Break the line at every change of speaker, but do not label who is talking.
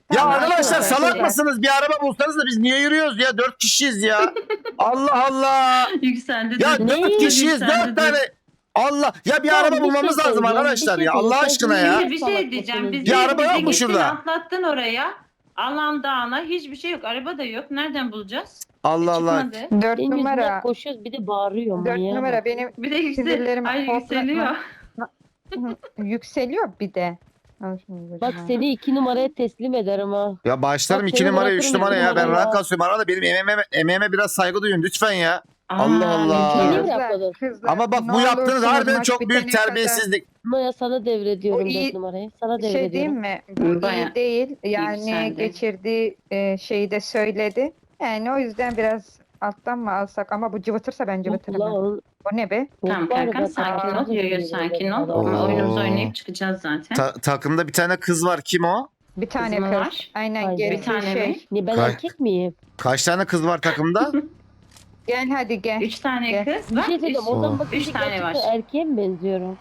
Ya
Tamam,
arkadaşlar
arkadaşlar.
salak mısınız? Bir araba bulsanız da biz niye yürüyoruz ya? 4 kişiyiz ya. Allah Allah.
Yükseldi.
Ya
dur.
4 kişiyiz,
Yükseldi,
4 tane. Allah. Ya bir
Tamam,
araba
bir
bulmamız
şey
lazım
söyleyeceğim,
arkadaşlar
bir şey
ya. Allah
söyleyeceğim.
aşkına
Sen
ya.
Şimdi bir
salak
şey diyeceğim.
mısınız?
Bizi,
Bir araba
bizi
yok mu
gittin,
şurada?
atlattın oraya. Alan dağına hiçbir şey yok. Araba da yok. Nereden bulacağız?
Allah Allah.
Çıkmadı.
4
Benim yüzümden
numara.
koşuyoruz bir de bağırıyor
4
manyağa
numara
bak.
benim
Bir de yüksel.
sinirlerim
Ay yükseliyor.
yükseliyor bir de. Al şunu
Bak
başıma.
seni 2 numaraya teslim ederim ha.
Ya başlarım
Bak
2
seni
numara 3
bırakırım
numara
iki
ya. Ben
numaraya.
rahat kasıyorum. Arada benim emeğime biraz saygı duyun lütfen ya.
Aa,
Allah Allah.
Niye
Kızlar,
bırakmadın?
kızlar,
Ama bak
ne
bu yaptığınız
olursunuz
harbiden
maç
çok büyük
bitene kadar-
terbiyesizlik.
Maya sana devrediyorum
O iyi-
4 numarayı. Sana
Bir şey diyeyim
devrediyorum.
mi? Bu
Bayağı
iyi değil. Yani
yükseldi.
geçirdiği şeyi de söyledi. Yani o yüzden biraz alttan mı alsak ama bu cıvıtırsa ben cıvıtırım.
Ulan
ha.
onun-
O ne be?
Tamam
var
Erkan
be,
sakin ol.
takip
Yo yo
ediyor
sakin
adam.
ol.
Oo.
Oyunumuzu oynayıp çıkacağız zaten.
Takımda bir tane kız var. Kim o?
Bir tane
Kız mı
kız.
var?
Aynen
Haydi.
gerisi
Bir tane
şey.
mi?
Ne ben
Kay-
erkek miyim?
Kaç tane kız var takımda?
Gel hadi gel.
3 tane
Gel.
kız
Bir
var.
şey söyleyeceğim.
Oo.
Oradan bakınca
Üç tane
gerçekten
var.
erkeğe mi benziyorum?